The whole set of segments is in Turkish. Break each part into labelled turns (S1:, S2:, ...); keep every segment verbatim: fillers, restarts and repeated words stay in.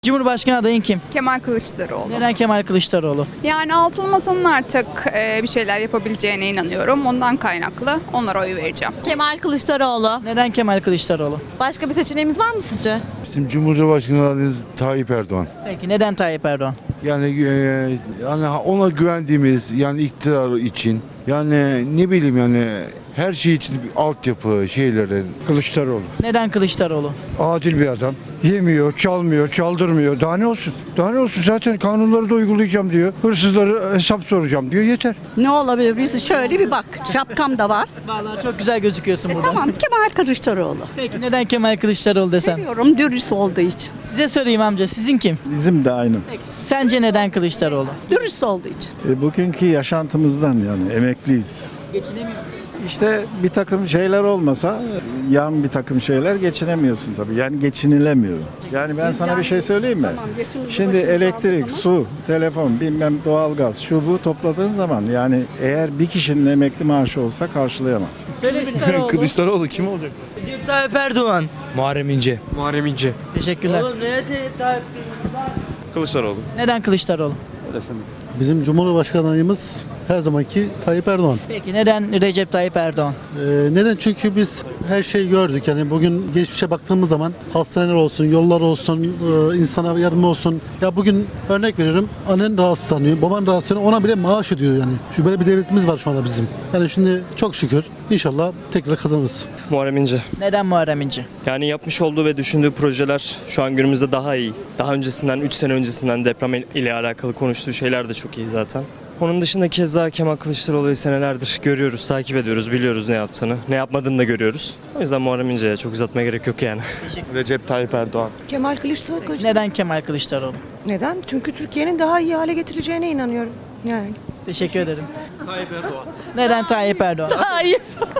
S1: Cumhurbaşkanı adayın kim?
S2: Kemal Kılıçdaroğlu.
S1: Neden Kemal Kılıçdaroğlu?
S2: Yani altılı masanın artık e, bir şeyler yapabileceğine inanıyorum. Ondan kaynaklı onlara oy vereceğim.
S3: Kemal Kılıçdaroğlu.
S1: Neden Kemal Kılıçdaroğlu?
S3: Başka bir seçeneğimiz var mı sizce?
S4: Bizim Cumhurbaşkanı adayımız Tayyip Erdoğan.
S1: Peki neden Tayyip Erdoğan?
S4: Yani e, yani ona güvendiğimiz yani iktidar için yani ne bileyim yani her şey için bir altyapı şeyleri.
S5: Kılıçdaroğlu.
S1: Neden Kılıçdaroğlu?
S5: Adil bir adam. Yemiyor, çalmıyor, çaldırmıyor. Daha ne olsun? Daha ne olsun? Zaten kanunları da uygulayacağım diyor. Hırsızları hesap soracağım diyor. Yeter.
S6: Ne olabilir? Biz şöyle bir bak. Şapkam da var.
S1: Vallahi çok güzel gözüküyorsun burada.
S6: Tamam, Kemal Kılıçdaroğlu.
S1: Peki neden Kemal Kılıçdaroğlu desem?
S6: Seviyorum dürüst olduğu için.
S1: Size sorayım amca, sizin kim?
S7: Bizim de aynı.
S1: Peki sence neden Kılıçdaroğlu?
S6: Dürüst olduğu için.
S7: E, bugünkü yaşantımızdan yani emekliyiz.
S1: Geçinemiyor musunuz?
S7: İşte bir takım şeyler olmasa yan bir takım şeyler geçinemiyorsun tabii. Yani geçinilemiyor. Yani ben sana bir şey söyleyeyim mi? Şimdi elektrik, su, telefon, bilmem doğalgaz, şu bu topladığın zaman yani eğer bir kişinin emekli maaşı olsa karşılayamaz.
S1: Söyleyin.
S8: Kılıçdaroğlu kim olacak?
S1: Recep Tayyip Erdoğan.
S8: Muharrem İnce. Muharrem İnce.
S1: Teşekkürler.
S8: Kılıçdaroğlu.
S1: Neden Kılıçdaroğlu?
S9: Bizim Cumhurbaşkanı adayımız her zamanki Tayyip Erdoğan.
S1: Peki neden Recep Tayyip Erdoğan?
S9: Ee, neden? Çünkü biz her şeyi gördük. Yani bugün geçmişe baktığımız zaman hastaneler olsun, yollar olsun, e, insana yardım olsun. Ya bugün örnek veriyorum. Annen rahatsızlanıyor, baban rahatsızlanıyor. Ona bile maaş ödüyor yani. Şu böyle bir devletimiz var şu anda bizim. Yani şimdi çok şükür inşallah tekrar kazanırız.
S10: Muharrem İnce.
S1: Neden Muharrem İnce?
S10: Yani yapmış olduğu ve düşündüğü projeler şu an günümüzde daha iyi. Daha öncesinden, üç sene öncesinden deprem ile alakalı konuştuğu şeyler de çok iyi zaten. Onun dışında keza Kemal Kılıçdaroğlu'yu senelerdir görüyoruz, takip ediyoruz, biliyoruz ne yaptığını. Ne yapmadığını da görüyoruz. O yüzden Muharrem İnce'ye çok uzatmaya gerek yok yani.
S8: Recep Tayyip Erdoğan.
S11: Kemal Kılıçdaroğlu.
S1: Neden Kemal Kılıçdaroğlu?
S11: Neden? Çünkü Türkiye'nin daha iyi hale getireceğine inanıyorum. Yani.
S1: Teşekkür ederim. Tayyip Erdoğan. Neden Tayyip Erdoğan?
S3: Hayır.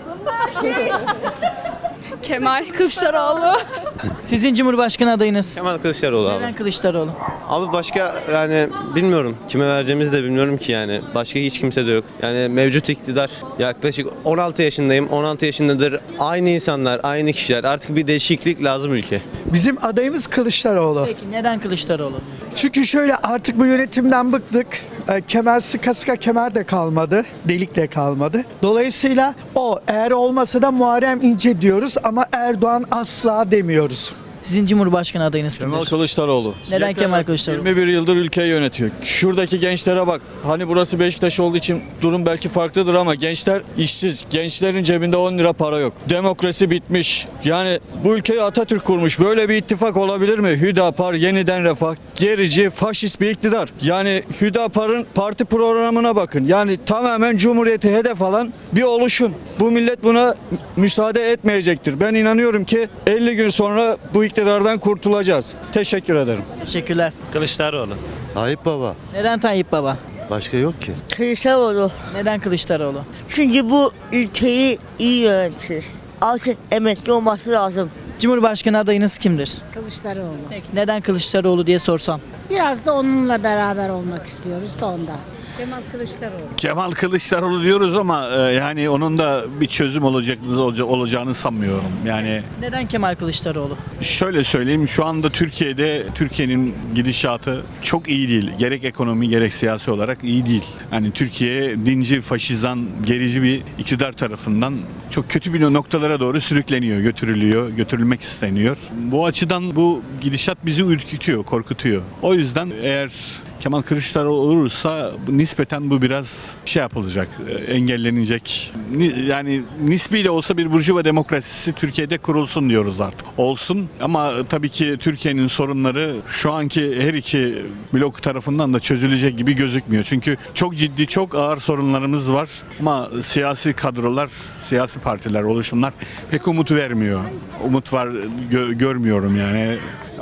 S2: Kemal Kılıçdaroğlu.
S1: Sizin Cumhurbaşkanı adayınız?
S8: Kemal Kılıçdaroğlu abi.
S1: Neden Kılıçdaroğlu?
S8: Abi başka yani bilmiyorum. Kime vereceğimizi de bilmiyorum ki yani. Başka hiç kimse de yok. Yani mevcut iktidar yaklaşık on altı yaşındayım. on altı yaşındadır. Aynı insanlar, aynı kişiler. Artık bir değişiklik lazım ülke.
S5: Bizim adayımız Kılıçdaroğlu.
S1: Peki neden Kılıçdaroğlu?
S5: Çünkü şöyle artık bu yönetimden bıktık. E, kemer sıka sıka kemer de kalmadı. Delik de kalmadı. Dolayısıyla o eğer olmasa da Muharrem İnce diyoruz ama Erdoğan asla demiyoruz.
S1: Sizin Cumhurbaşkanı adayınız kimdir?
S12: Kemal Kılıçdaroğlu.
S1: Neden Kemal Kılıçdaroğlu?
S12: yirmi bir yıldır ülkeyi yönetiyor. Şuradaki gençlere bak. Hani burası Beşiktaş olduğu için durum belki farklıdır ama gençler işsiz. Gençlerin cebinde on lira para yok. Demokrasi bitmiş. Yani bu ülkeyi Atatürk kurmuş. Böyle bir ittifak olabilir mi? Hüdapar, Yeniden Refah, gerici, faşist bir iktidar. Yani Hüdapar'ın parti programına bakın. Yani tamamen Cumhuriyeti hedef alan bir oluşum. Bu millet buna müsaade etmeyecektir. Ben inanıyorum ki elli gün sonra bu iktidardan kurtulacağız. Teşekkür ederim.
S1: Teşekkürler.
S10: Kılıçdaroğlu.
S4: Tayyip Baba.
S1: Neden Tayyip Baba?
S4: Başka yok ki.
S11: Kılıçdaroğlu.
S1: Neden Kılıçdaroğlu?
S11: Çünkü bu ülkeyi iyi yönetir. Artık emekli olması lazım.
S1: Cumhurbaşkanı adayınız kimdir?
S6: Kılıçdaroğlu.
S1: Peki neden Kılıçdaroğlu diye sorsam?
S6: Biraz da onunla beraber olmak istiyoruz da ondan. Kemal Kılıçdaroğlu.
S7: Kemal Kılıçdaroğlu diyoruz ama e, yani onun da bir çözüm olacak, olacağını sanmıyorum. Yani
S1: Neden Kemal Kılıçdaroğlu?
S7: şöyle söyleyeyim, şu anda Türkiye'de Türkiye'nin gidişatı çok iyi değil. Gerek ekonomi gerek siyasi olarak iyi değil. Yani Türkiye dinci, faşizan, gerici bir iktidar tarafından çok kötü bir noktalara doğru sürükleniyor, götürülüyor, götürülmek isteniyor. Bu açıdan bu gidişat bizi ürkütüyor, korkutuyor. O yüzden eğer Kemal Kılıçdaroğlu olursa nispeten bu biraz şey yapılacak, engellenecek. Yani nispi de olsa bir burjuva demokrasisi Türkiye'de kurulsun diyoruz artık. Olsun ama tabii ki Türkiye'nin sorunları şu anki her iki blok tarafından da çözülecek gibi gözükmüyor. Çünkü çok ciddi, çok ağır sorunlarımız var ama siyasi kadrolar, siyasi partiler, oluşumlar pek umut vermiyor. Umut var gö- görmüyorum yani.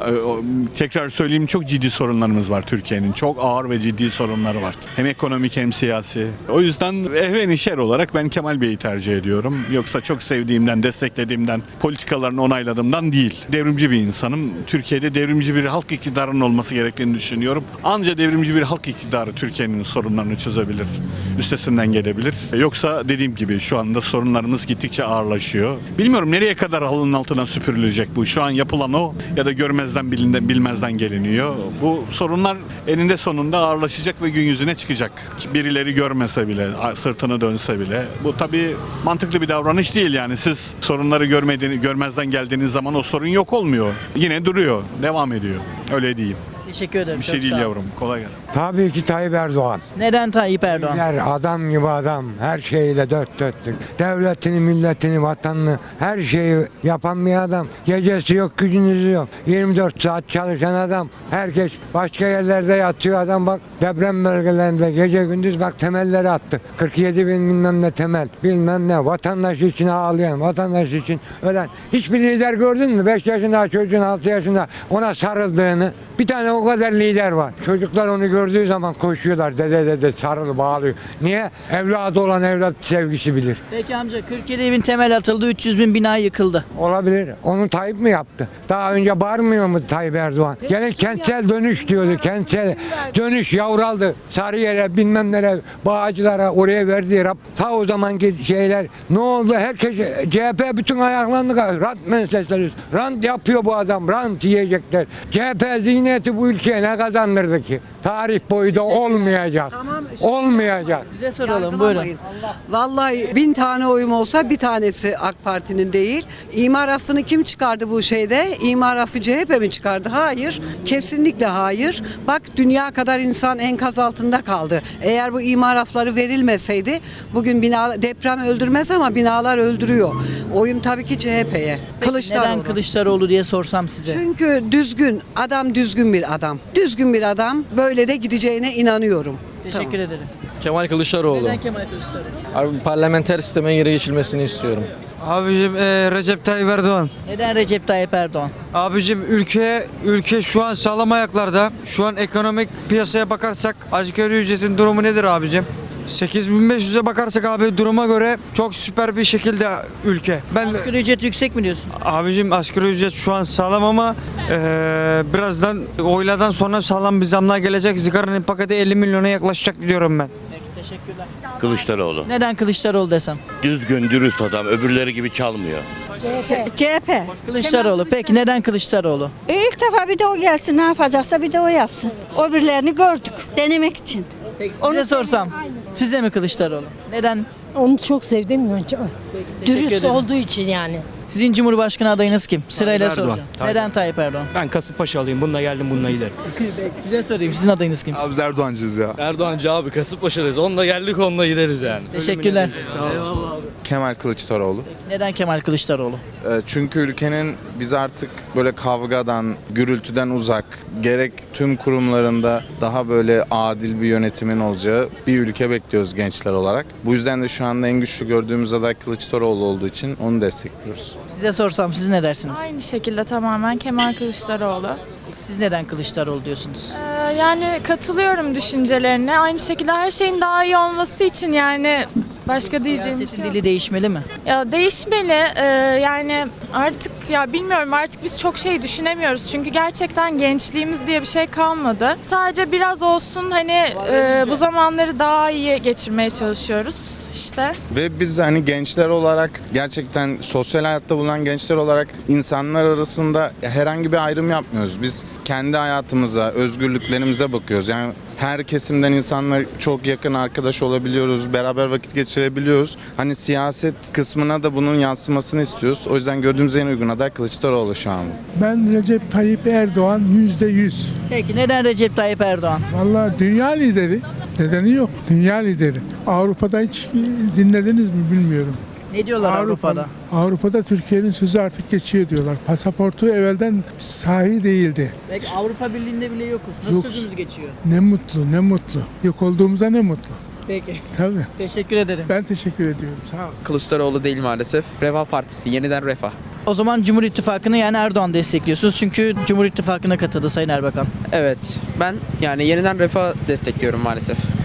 S7: Tekrar söyleyeyim, çok ciddi sorunlarımız var Türkiye'nin. Çok ağır ve ciddi sorunları var. Hem ekonomik hem siyasi. O yüzden ehven işer olarak ben Kemal Bey'i tercih ediyorum. Yoksa çok sevdiğimden, desteklediğimden, politikalarını onayladığımdan değil. Devrimci bir insanım. Türkiye'de devrimci bir halk iktidarının olması gerektiğini düşünüyorum. Anca devrimci bir halk iktidarı Türkiye'nin sorunlarını çözebilir. Üstesinden gelebilir. Yoksa dediğim gibi şu anda sorunlarımız gittikçe ağırlaşıyor. Bilmiyorum nereye kadar halının altına süpürülecek bu. Şu an yapılan o ya da görmez görmezden bilinde, bilmezden geliniyor. Bu sorunlar eninde sonunda ağırlaşacak ve gün yüzüne çıkacak. Birileri görmese bile, sırtını dönse bile. Bu tabii mantıklı bir davranış değil yani. Siz sorunları görmediğini, görmezden geldiğiniz zaman o sorun yok olmuyor. Yine duruyor, devam ediyor. Öyle değil.
S1: Teşekkür ederim.
S7: Bir
S1: çok
S7: şey değil
S1: sağ ol.
S7: yavrum. Kolay gelsin.
S13: Tabii ki Tayyip Erdoğan.
S1: Neden Tayyip Erdoğan?
S13: Her adam gibi adam. Her şeyle dört dörtlük. Devletini, milletini, vatanını her şeyi yapan bir adam. Gecesi yok, gündüzü yok. yirmi dört saat çalışan adam. Herkes başka yerlerde yatıyor adam bak. Deprem bölgelerinde gece gündüz bak temelleri attı. kırk yedi bin bilmem ne temel. Bilmem ne. Vatandaş için ağlayan, vatandaş için ölen. Hiçbir lider gördün mü? beş yaşında çocuğun altı yaşında ona sarıldığını. Bir tane o kadar lider var. Çocuklar onu gördüğü zaman koşuyorlar. Dede dede sarıl bağlıyor. Niye? Evladı olan evlat sevgisi bilir.
S1: Peki amca kırk yedi bin temel atıldı, üç yüz bin bina yıkıldı.
S13: Olabilir. Onu Tayyip mi yaptı? Daha önce bağırmıyor mu Tayyip Erdoğan? Gene kentsel dönüş diyordu. Kentsel dönüş yavraldı. Sarıyer'e bilmem nereye, Bağcılar'a oraya verdiği rap. Ta o zamanki şeyler ne oldu? Herkes C H P bütün ayaklandı. Rant meselesi. Rant yapıyor bu adam. Rant yiyecekler. C H P zihniyeti bu ülkeye ne kazandırdı ki? Tarih boyu da olmayacak. Olmayacak.
S1: Size soralım buyurun.
S14: Vallahi bin tane oyum olsa bir tanesi AK Parti'nin değil. İmar affını kim çıkardı bu şeyde? İmar affı C H P mi çıkardı? Hayır. Kesinlikle hayır. Bak dünya kadar insan enkaz altında kaldı. Eğer bu imar affları verilmeseydi bugün bina deprem öldürmez ama binalar öldürüyor. Oyum tabii ki C H P'ye. Kılıçdaroğlu.
S1: Neden Kılıçdaroğlu diye sorsam size.
S14: Çünkü düzgün adam düzgün bir adam. Düzgün bir adam böyle de gideceğine inanıyorum.
S1: Teşekkür ederim.
S12: Kemal Kılıçdaroğlu.
S1: Neden Kemal Kılıçdaroğlu?
S12: Abi parlamenter sisteme geri geçilmesini istiyorum.
S5: Abicim Recep Tayyip Erdoğan.
S1: Neden Recep Tayyip Erdoğan?
S5: Abicim ülke ülke şu an sağlam ayaklarda. Şu an ekonomik piyasaya bakarsak asgari ücretin durumu nedir abicim? sekiz bin beş yüze bakarsak abi duruma göre çok süper bir şekilde ülke. Ben
S1: Asgari ücret yüksek mi diyorsun?
S5: abicim asgari ücret şu an sağlam ama eee, birazdan oylardan sonra sağlam bir zamlar gelecek. Sigaranın paketi elli milyona yaklaşacak diyorum ben.
S1: Peki teşekkürler.
S15: Kılıçdaroğlu.
S1: Neden Kılıçdaroğlu desem?
S15: Düzgün, dürüst adam. Öbürleri gibi çalmıyor.
S6: C H P.
S1: Kılıçdaroğlu. Peki neden Kılıçdaroğlu?
S6: E ilk defa bir de o gelsin, ne yapacaksa bir de o yapsın. O birilerini gördük denemek için.
S1: Peki size sorsam. Size mi Kılıçdaroğlu? Neden?
S6: Onu çok sevdim önce.
S1: Teşekkür ederim.
S6: olduğu için yani.
S1: Sizin Cumhurbaşkanı adayınız kim? Sırayla
S12: Tayyip Erdoğan.
S1: soracağım.
S12: Tayyip.
S1: Neden Tayyip Erdoğan?
S12: Ben Kasımpaşalıyım. Bununla geldim, bununla giderim.
S1: Size sorayım. Sizin adayınız kim?
S4: Abi biz Erdoğancıyız ya.
S12: Erdoğancı abi, Kasımpaşalıyız. Onunla geldik, onunla gideriz yani.
S1: Teşekkürler.
S12: Eyvallah abi.
S16: Kemal Kılıçdaroğlu.
S1: Neden Kemal Kılıçdaroğlu?
S16: Çünkü ülkenin biz artık böyle kavgadan, gürültüden uzak, gerek tüm kurumlarında daha böyle adil bir yönetimin olacağı bir ülke bekliyoruz gençler olarak. Bu yüzden de şu anda en güçlü gördüğümüz aday Kılıçdaroğlu olduğu için onu destekliyoruz.
S1: Size sorsam siz ne dersiniz?
S2: Aynı şekilde tamamen Kemal Kılıçdaroğlu.
S1: Siz neden Kılıçdaroğlu diyorsunuz?
S2: Ee, yani katılıyorum düşüncelerine. Aynı şekilde her şeyin daha iyi olması için yani başka diyeceğim bir
S1: Siyasetin
S2: şey yok.
S1: dili değişmeli mi?
S2: Ya değişmeli. Ee, yani artık ya bilmiyorum artık biz çok şey düşünemiyoruz. Çünkü gerçekten gençliğimiz diye bir şey kalmadı. Sadece biraz olsun hani e, bu zamanları daha iyi geçirmeye çalışıyoruz işte.
S16: Ve biz hani gençler olarak gerçekten sosyal hayatta bulunan gençler olarak insanlar arasında herhangi bir ayrım yapmıyoruz. Biz kendi hayatımıza, özgürlüklerimize bakıyoruz. Yani her kesimden insanla çok yakın arkadaş olabiliyoruz, beraber vakit geçirebiliyoruz. Hani siyaset kısmına da bunun yansımasını istiyoruz. O yüzden gördüğümüz en uygun aday Kılıçdaroğlu şu an.
S5: Ben Recep Tayyip Erdoğan yüzde yüz.
S1: Peki neden Recep Tayyip Erdoğan?
S5: Vallahi dünya lideri. Nedeni yok. Dünya lideri. Avrupa'da hiç dinlediniz mi bilmiyorum.
S1: Ne diyorlar Avrupa'da?
S5: Avrupa'da Türkiye'nin sözü artık geçiyor diyorlar. Pasaportu evvelden sahi değildi.
S1: Peki Avrupa Birliği'nde bile yokuz. Nasıl
S5: Yok.
S1: sözümüz geçiyor?
S5: Ne mutlu, ne mutlu. Yok olduğumuza ne mutlu.
S1: Peki.
S5: Tabii.
S1: Teşekkür ederim.
S5: Ben teşekkür ediyorum. Sağ ol.
S12: Kılıçdaroğlu değil maalesef. Refah Partisi, yeniden Refah.
S1: O zaman Cumhur İttifakı'nı yani Erdoğan destekliyorsunuz. Çünkü Cumhur İttifakı'na katıldı Sayın Erbakan.
S12: Evet, ben yani yeniden Refah destekliyorum maalesef.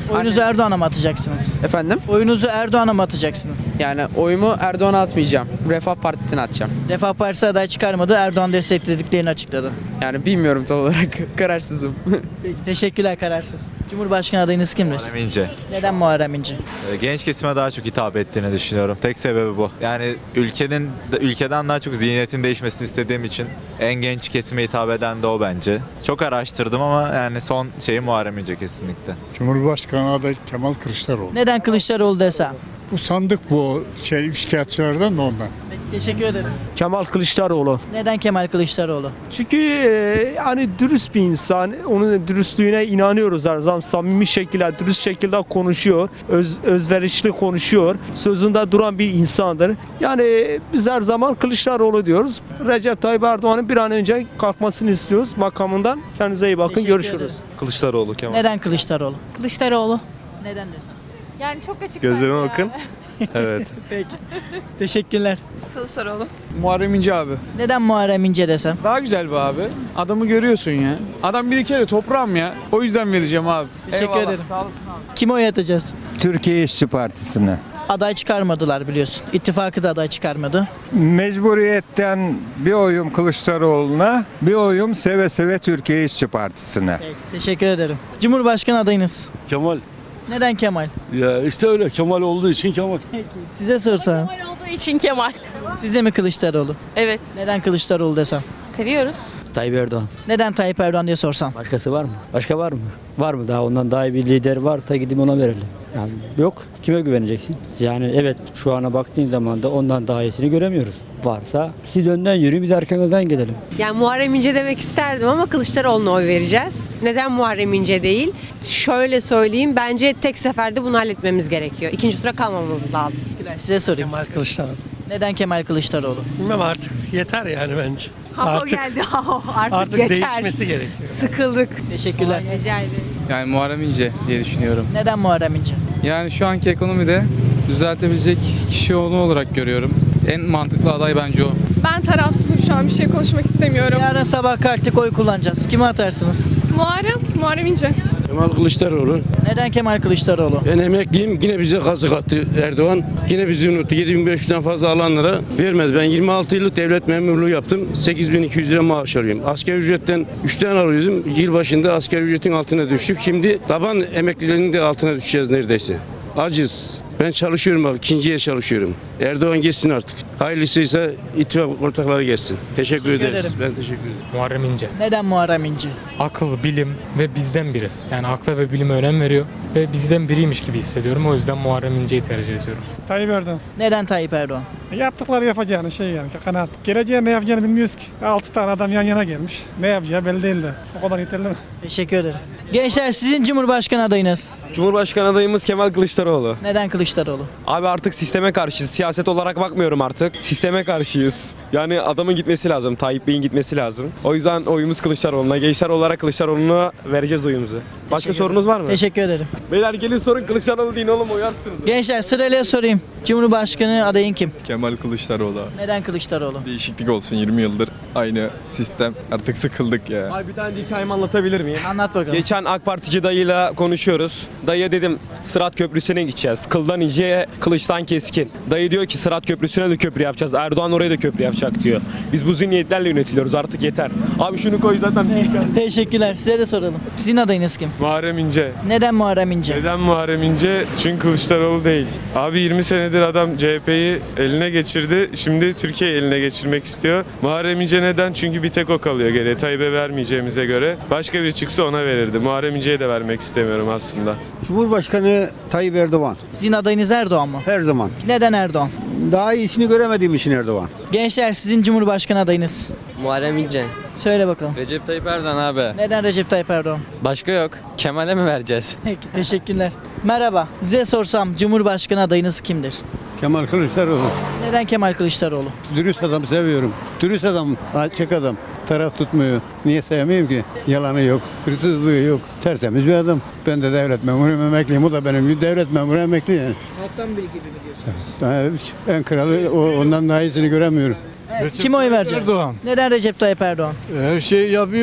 S1: Oyunuzu Erdoğan'a mı atacaksınız?
S17: Efendim?
S1: Oyunuzu Erdoğan'a mı atacaksınız?
S17: Yani oyumu Erdoğan'a atmayacağım. Refah Partisi'ne atacağım.
S1: Refah Partisi aday çıkarmadı. Erdoğan desteklediklerini açıkladı.
S17: Yani bilmiyorum tam olarak. Kararsızım.
S1: Peki, teşekkürler kararsız. Cumhurbaşkanı adayınız kimdir?
S18: Muharrem İnce.
S1: Neden Muharrem İnce?
S18: Ee, Genç kesime daha çok hitap ettiğini düşünüyorum. Tek sebebi bu. Yani ülkenin ülkeden daha çok zihniyetin değişmesini istediğim için en genç kesime hitap eden de o bence. Çok araştırdım ama yani son şeyi Muharrem İnce kesinlikle.
S19: Cumhurbaşkanı adayı Kemal Kılıçdaroğlu.
S1: Neden Kılıçdaroğlu desem?
S19: Bu sandık bu şey üçkağıtçılardan da ondan.
S1: Peki, teşekkür ederim.
S17: Kemal Kılıçdaroğlu.
S1: Neden Kemal Kılıçdaroğlu?
S17: Çünkü e, hani dürüst bir insan. Onun dürüstlüğüne inanıyoruz her zaman. Samimi şekilde, dürüst şekilde konuşuyor. Öz, özverişli konuşuyor. Sözünde duran bir insandır. Yani biz her zaman Kılıçdaroğlu diyoruz. Recep Tayyip Erdoğan'ın bir an önce kalkmasını istiyoruz makamından. Kendinize iyi bakın.
S1: Teşekkür
S17: Görüşürüz.
S1: ederim.
S18: Kılıçdaroğlu Kemal.
S1: Neden Kılıçdaroğlu?
S2: Kılıçdaroğlu.
S1: Neden desem?
S2: Yani çok açık.
S18: Gözlerime
S2: bence
S18: bakın.
S2: ya.
S18: Evet.
S1: Peki. Teşekkürler.
S3: Kılıçdaroğlu.
S5: Muharrem İnce abi.
S1: Neden Muharrem İnce desem?
S5: Daha güzel bu abi. Adamı görüyorsun ya. Adam bir kere toprağım ya. O yüzden vereceğim abi.
S1: Teşekkür ederim.
S5: Sağ olasın abi.
S1: Kime oy atacağız?
S13: Türkiye İşçi Partisi'ne.
S1: Aday çıkarmadılar biliyorsun. İttifakı da aday çıkarmadı.
S13: Mecburiyetten bir oyum Kılıçdaroğlu'na, bir oyum seve seve Türkiye İşçi Partisi'ne.
S1: Peki, teşekkür ederim. Cumhurbaşkanı adayınız.
S9: Kemal.
S1: Neden Kemal?
S9: Ya işte öyle Kemal olduğu için Kemal.
S1: Peki, size sorsam.
S2: Kemal olduğu için Kemal.
S1: Size mi Kılıçdaroğlu?
S2: Evet.
S1: Neden Kılıçdaroğlu desem?
S2: Seviyoruz.
S17: Tayyip Erdoğan.
S1: Neden Tayyip Erdoğan diye sorsam?
S17: Başkası var mı? Başka var mı? Var mı? Daha ondan daha iyi bir lider varsa gidip ona verelim. Yani yok. Kime güveneceksin? Yani evet şu ana baktığın zaman da ondan daha iyisini göremiyoruz. Varsa siz önden yürüyün biz arkanızdan gidelim.
S3: Yani Muharrem İnce demek isterdim ama Kılıçdaroğlu'na oy vereceğiz. Neden Muharrem İnce değil? Şöyle söyleyeyim, bence tek seferde bunu halletmemiz gerekiyor. İkinci tura kalmamamız lazım.
S1: Size sorayım.
S17: Kemal Kılıçdaroğlu.
S1: Neden Kemal Kılıçdaroğlu?
S17: Bilmem artık yeter yani bence.
S3: Ha, o geldi. Artık, yeter.
S17: gerekiyor.
S3: Sıkıldık.
S1: Teşekkürler.
S3: Rica ederim.
S17: Yani Muharrem İnce diye düşünüyorum.
S1: Neden Muharrem İnce?
S17: Yani şu anki ekonomide düzeltebilecek kişi onu olarak görüyorum. En mantıklı aday bence o.
S2: Ben tarafsızım şu an bir şey konuşmak istemiyorum.
S1: Yarın sabah kalktık oy kullanacağız. Kime atarsınız?
S2: Muharrem, Muharrem İnce.
S9: Kemal Kılıçdaroğlu.
S1: Neden Kemal Kılıçdaroğlu?
S9: Ben emekliyim. Yine bize kazık attı Erdoğan. Yine bizi unuttu. yedi bin beş yüzden fazla alanlara vermedi. Ben yirmi altı yıllık devlet memurluğu yaptım. sekiz bin iki yüz lira maaş alıyorum. Asgari ücretten üçten alıyordum. Yıl başında asgari ücretin altına düştük. Şimdi taban emeklilerinin de altına düşeceğiz neredeyse. Acız. Ben çalışıyorum bak. ikinciye çalışıyorum. Erdoğan geçsin artık. Hayırlısıysa ittifak ortakları geçsin. Teşekkür,
S1: Teşekkür
S9: ederiz.
S1: ederim.
S9: Ben teşekkür ederim.
S10: Muharrem İnce.
S1: Neden Muharrem İnce?
S10: Akıl, bilim ve bizden biri. Yani akla ve bilime önem veriyor ve bizden biriymiş gibi hissediyorum. O yüzden Muharrem İnce'yi tercih ediyorum.
S19: Tayyip Erdoğan.
S1: Neden Tayyip Erdoğan?
S19: Yaptıkları yapacağını şey yani kanaat. Geleceğe ne yapacağını bilmiyoruz ki. altı tane adam yan yana gelmiş. Ne yapacağı belli değil de. O kadar yeterli mi?
S1: Teşekkür ederim. Gençler sizin Cumhurbaşkanı adayınız.
S17: Cumhurbaşkanı adayımız Kemal Kılıçdaroğlu.
S1: Neden Kılıçdaroğlu?
S17: Abi artık sisteme karşıyız. Siyaset olarak bakmıyorum artık. Sisteme karşıyız. Yani adamın gitmesi lazım. Tayyip Bey'in gitmesi lazım. O yüzden oyumuz Kılıçdaroğlu'na. Gençler olarak Kılıçdaroğlu'na vereceğiz oyumuzu. Başka sorunuz var mı?
S1: Teşekkür ederim.
S17: Beyler gelin sorun Kılıçdaroğlu deyin oğlum uyarsınız.
S1: Gençler sırayla sorayım. Cumhurbaşkanı adayın kim?
S12: Kemal Kılıçdaroğlu.
S1: Neden Kılıçdaroğlu?
S12: Değişiklik olsun yirmi yıldır aynı sistem. Artık sıkıldık ya.
S17: Abi bir tane hikayemi anlatabilir miyim?
S1: Anlat bakalım.
S17: Geçen AK Partici dayıyla konuşuyoruz. Dayıya dedim Sırat Köprüsü'ne gideceğiz. Kıldan ince, kılıçtan keskin. Dayı diyor ki Sırat Köprüsü'ne de köprü yapacağız. Erdoğan oraya da köprü yapacak diyor. Biz bu zihniyetlerle yönetiliyoruz artık yeter. Abi şunu koy zaten.
S1: Teşekkürler. Size de soralım. Sizin adayınız kim?
S19: Muharrem İnce.
S1: Neden Muharrem İnce?
S19: Neden Muharrem İnce? Çünkü Kılıçdaroğlu değil. Abi yirmi senedir adam C H P'yi eline geçirdi. Şimdi Türkiye eline geçirmek istiyor. Muharrem İnce neden? Çünkü bir tek o kalıyor geriye. Tayyip'e vermeyeceğimize göre. Başka biri çıksa ona verirdi. Muharrem İnce'ye de vermek istemiyorum aslında.
S5: Cumhurbaşkanı Tayyip Erdoğan.
S1: Sizin adayınız Erdoğan mı?
S5: Her zaman.
S1: Neden Erdoğan?
S5: Daha iyisini göremediğim için Erdoğan.
S1: Gençler sizin Cumhurbaşkanı adayınız.
S17: Muharrem İnce.
S1: Söyle bakalım.
S17: Recep Tayyip Erdoğan abi.
S1: Neden Recep Tayyip Erdoğan?
S17: Başka yok. Kemal'e mi vereceğiz?
S1: Peki teşekkürler. Merhaba. Size sorsam Cumhurbaşkanı adayınız kimdir?
S5: Kemal Kılıçdaroğlu.
S1: Neden Kemal Kılıçdaroğlu?
S5: Dürüst adam seviyorum. Dürüst adam, açık adam. Taraf tutmuyor. Niye sevmeyeyim ki? Yalanı yok, hırsızlığı yok. Tertemiz bir adam. Ben de devlet memuruyum, emekliyim. O da benim gibi devlet memuru emekli yani.
S1: Halktan biri gibi mi diyorsunuz?
S5: En kralı o, ondan daha iyisini göremiyorum.
S1: Kime oy verecek?
S5: Erdoğan.
S1: Neden Recep Tayyip Erdoğan?
S5: Her şeyi yapıyor.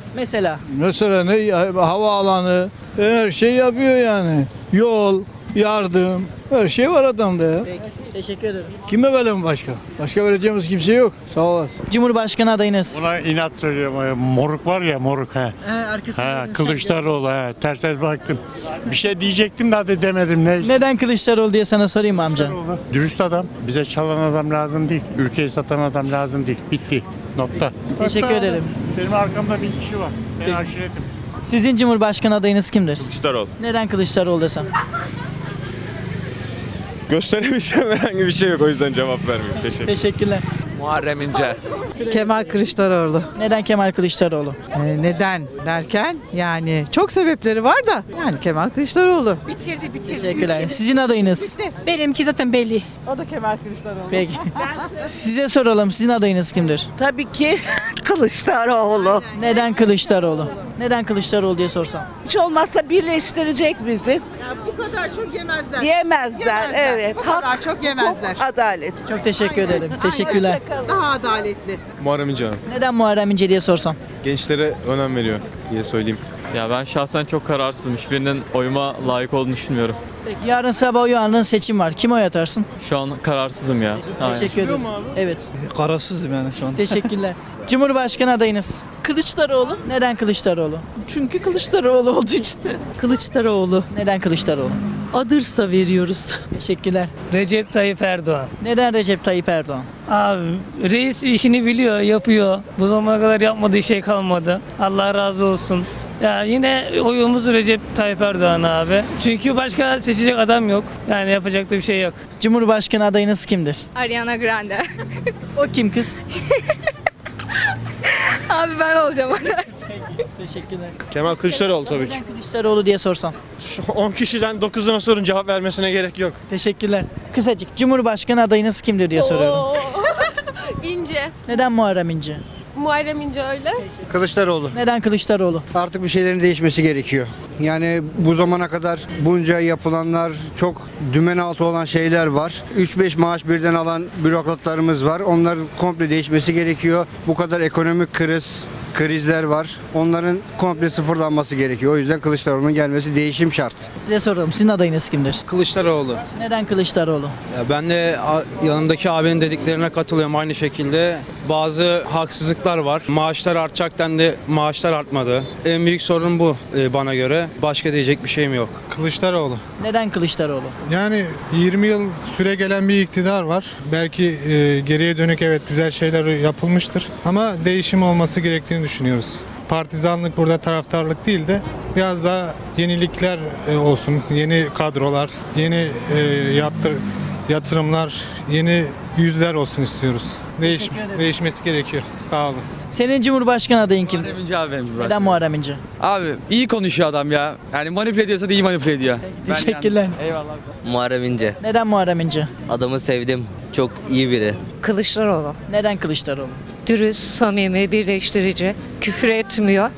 S1: Mesela
S17: Mesela ne havaalanı her şey yapıyor yani. Yol, yardım her şey var adamda ya.
S1: peki, teşekkür ederim.
S17: Kime verelim başka? Başka vereceğimiz kimse yok. Sağ olasın.
S1: Cumhurbaşkanı adayınız.
S12: Buna inat söylüyorum. Moruk var ya moruk he.
S1: He, arkasında.
S12: He, Kılıçdaroğlu he. Ters ters baktım. Bir şey diyecektim de hadi demedim. Ne?
S1: Neden Kılıçdaroğlu diye sana sorayım mı amca?
S12: Dürüst adam. Bize çalan adam lazım değil. Ülkeyi satan adam lazım değil. Bitti. Nokta.
S1: Teşekkür ederim.
S12: Benim arkamda bir kişi var. Ben
S1: Peki.
S12: aşiretim.
S1: Sizin Cumhurbaşkanı adayınız kimdir?
S10: Kılıçdaroğlu.
S1: Neden Kılıçdaroğlu desem?
S10: Gösteremeyeceğim herhangi bir şey yok, o yüzden cevap vermiyorum. Teşekkür
S1: Teşekkürler.
S8: Muharrem İnce.
S14: Kemal Kılıçdaroğlu.
S1: Neden Kemal Kılıçdaroğlu?
S14: neden derken yani çok sebepleri var da yani Kemal Kılıçdaroğlu.
S2: Bitirdi bitirdi.
S1: Teşekkürler. Sizin adayınız?
S2: Benimki zaten belli.
S14: O da Kemal Kılıçdaroğlu.
S1: Peki. Size soralım. Sizin adayınız kimdir?
S11: Tabii ki Kılıçdaroğlu.
S1: Neden Kılıçdaroğlu? Neden Kılıçdaroğlu diye sorsam?
S11: Hiç olmazsa birleştirecek bizi.
S14: Bu kadar çok yemezler.
S11: Yemezler, evet.
S14: Bu kadar çok yemezler.
S11: Adalet.
S1: Çok teşekkür ederim. Teşekkürler.
S14: Daha adaletli.
S10: Muharrem İnce.
S1: Neden Muharrem İnce diye sorsam?
S10: Gençlere önem veriyor diye söyleyeyim. Ya ben şahsen çok kararsızım. Hiçbirinin oyuma layık olduğunu düşünmüyorum.
S1: Peki yarın sabah uyandığın seçim var. Kime oy atarsın?
S10: Şu an kararsızım ya.
S1: Teşekkür ederim. Evet.
S17: Kararsızım yani şu an.
S1: Teşekkürler. Cumhurbaşkanı adayınız?
S2: Kılıçdaroğlu.
S1: Neden Kılıçdaroğlu?
S2: Çünkü Kılıçdaroğlu olduğu için. Kılıçdaroğlu.
S1: Neden Kılıçdaroğlu?
S2: Adırsa veriyoruz.
S1: Teşekkürler.
S17: Recep Tayyip Erdoğan.
S1: Neden Recep Tayyip Erdoğan?
S17: Abi reis işini biliyor, yapıyor. Bu zamana kadar yapmadığı şey kalmadı. Allah razı olsun. Ya yine oyumuz Recep Tayyip Erdoğan abi. Çünkü başka seçecek adam yok. Yani yapacak da bir şey yok.
S1: Cumhurbaşkanı adayınız kimdir?
S2: Ariana Grande.
S1: O kim kız?
S2: Abi ben olacağım aday.
S1: Teşekkürler.
S12: Kemal Kılıçdaroğlu tabii ki.
S1: Neden Kılıçdaroğlu diye sorsam?
S12: on kişiden dokuzuna sorun cevap vermesine gerek yok.
S1: Teşekkürler. Kısacık Cumhurbaşkanı adayınız kimdir diye soruyorum.
S2: İnce.
S1: Neden Muharrem İnce?
S2: Muharrem İnce öyle.
S12: Kılıçdaroğlu.
S1: Neden Kılıçdaroğlu?
S12: Artık bir şeylerin değişmesi gerekiyor. Yani bu zamana kadar bunca yapılanlar çok dümen altı olan şeyler var. üç beş maaş birden alan bürokratlarımız var. Onların komple değişmesi gerekiyor. Bu kadar ekonomik kriz, krizler var. Onların komple sıfırlanması gerekiyor. O yüzden Kılıçdaroğlu'nun gelmesi değişim şart.
S1: Size soralım. Sizin adayınız kimdir?
S8: Kılıçdaroğlu.
S1: Neden Kılıçdaroğlu?
S8: Ya ben de a- yanımdaki abinin dediklerine katılıyorum aynı şekilde. Bazı haksızlıklar var. Maaşlar artacak dendi, maaşlar artmadı. En büyük sorun bu e, bana göre. Başka diyecek bir şeyim yok.
S12: Kılıçdaroğlu.
S1: Neden Kılıçdaroğlu?
S12: Yani yirmi yıl süre gelen bir iktidar var. Belki e, geriye dönük evet güzel şeyler yapılmıştır. Ama değişim olması gerektiğini düşünüyoruz. Partizanlık burada taraftarlık değil de biraz daha yenilikler e, olsun. Yeni kadrolar, yeni e, yaptır, yatırımlar, yeni yüzler olsun istiyoruz. Değiş,
S1: Teşekkür ederim.
S12: değişmesi gerekiyor. Sağ olun.
S1: Senin Cumhurbaşkanı adayın kimdir?
S8: İnce abi benim
S1: Neden Muharrem İnce?
S8: Abi iyi konuşuyor adam ya. Yani manipüle ediyorsa da iyi manipüle ediyor.
S1: Teşekkürler.
S8: Eyvallah.
S15: Muharrem İnce.
S1: Neden Muharrem İnce?
S15: Adamı sevdim. Çok iyi biri.
S14: Kılıçdaroğlu.
S1: Neden Kılıçdaroğlu?
S2: Dürüst, samimi, birleştirici. Küfür etmiyor.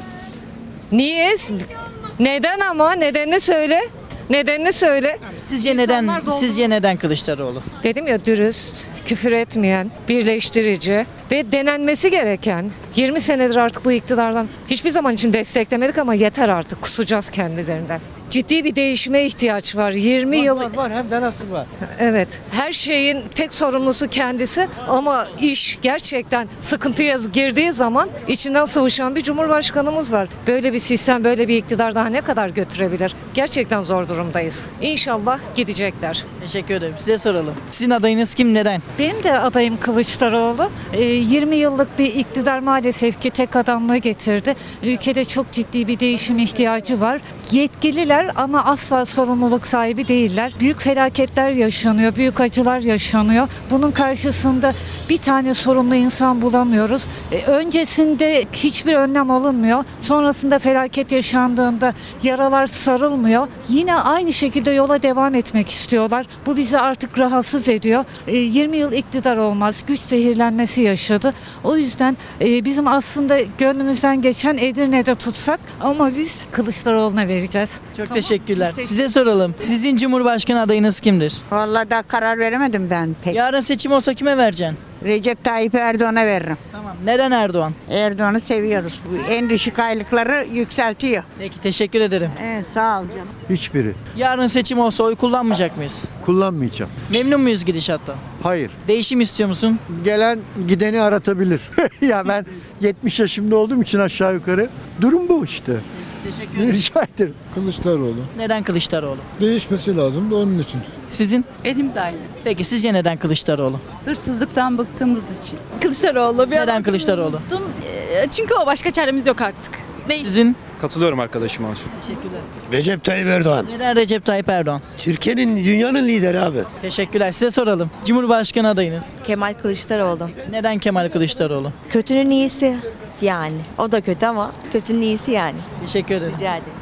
S2: Niye? Neden ama? Nedenini söyle. Nedenini söyle.
S1: Sizce neden sizce neden Kılıçdaroğlu?
S2: Dedim ya dürüst, küfür etmeyen, birleştirici ve denenmesi gereken. yirmi senedir artık bu iktidardan hiçbir zaman için desteklemedik ama yeter artık, kusacağız kendilerinden. Ciddi bir değişime ihtiyaç var. yirmi yıl
S17: Var, var hem de nasıl var.
S2: evet. Her şeyin tek sorumlusu kendisi ama iş gerçekten sıkıntıya girdiği zaman içinden sıvışan bir cumhurbaşkanımız var. Böyle bir sistem, böyle bir iktidar daha ne kadar götürebilir? Gerçekten zor durumdayız. İnşallah gidecekler.
S1: Teşekkür ederim. Size soralım. Sizin adayınız kim? Neden?
S2: Benim de adayım Kılıçdaroğlu. Ee, yirmi yıllık bir iktidar maalesef ki tek adamlığı getirdi. Ülkede çok ciddi bir değişim ihtiyacı var. Yetkililer ama asla sorumluluk sahibi değiller. Büyük felaketler yaşanıyor, büyük acılar yaşanıyor. Bunun karşısında bir tane sorumlu insan bulamıyoruz. Ee, öncesinde hiçbir önlem alınmıyor. Sonrasında felaket yaşandığında yaralar sarılmıyor. Yine aynı şekilde yola devam etmek istiyorlar. Bu bizi artık rahatsız ediyor. Ee, yirmi yıl iktidar olmaz. Güç zehirlenmesi yaşadı. O yüzden e, bizim aslında gönlümüzden geçen Edirne'de tutsak ama biz Kılıçdaroğlu'na vereceğiz.
S1: Çok teşekkürler. Size soralım. Sizin Cumhurbaşkanı adayınız kimdir?
S11: Vallahi daha karar veremedim ben pek.
S1: Yarın seçim olsa kime vereceksin?
S6: Recep Tayyip Erdoğan'a veririm.
S1: Tamam. Neden Erdoğan?
S6: Erdoğan'ı seviyoruz. En düşük aylıkları yükseltiyor.
S1: Peki teşekkür ederim.
S6: Evet, sağ ol canım.
S5: Hiçbiri.
S1: Yarın seçim olsa oy kullanmayacak mıyız?
S5: Kullanmayacağım.
S1: Memnun muyuz gidişattan?
S5: Hayır.
S1: Değişim istiyor musun?
S5: Gelen gideni aratabilir. Ya ben yetmiş yaşımda olduğum için aşağı yukarı durum bu işte.
S1: Teşekkür ederim.
S5: Rica ederim.
S4: Kılıçdaroğlu.
S1: Neden Kılıçdaroğlu?
S4: Değişmesi lazım da onun için.
S1: Sizin?
S20: Benim de aynı.
S1: Peki sizce neden Kılıçdaroğlu?
S20: Hırsızlıktan bıktığımız için.
S2: Kılıçdaroğlu. Bir
S1: Neden Kılıçdaroğlu?
S2: Çünkü o başka çaremiz yok artık. Değil.
S1: Sizin?
S10: Katılıyorum arkadaşıma.
S1: Teşekkürler.
S13: Recep Tayyip Erdoğan.
S1: Neden Recep Tayyip Erdoğan?
S13: Türkiye'nin, dünyanın lideri abi.
S1: Teşekkürler. Size soralım. Cumhurbaşkanı adayınız.
S20: Kemal Kılıçdaroğlu.
S1: Neden Kemal Kılıçdaroğlu?
S20: Kötünün iyisi yani. O da kötü ama kötünün iyisi yani.
S1: Teşekkür ederim.
S20: Rica ederim.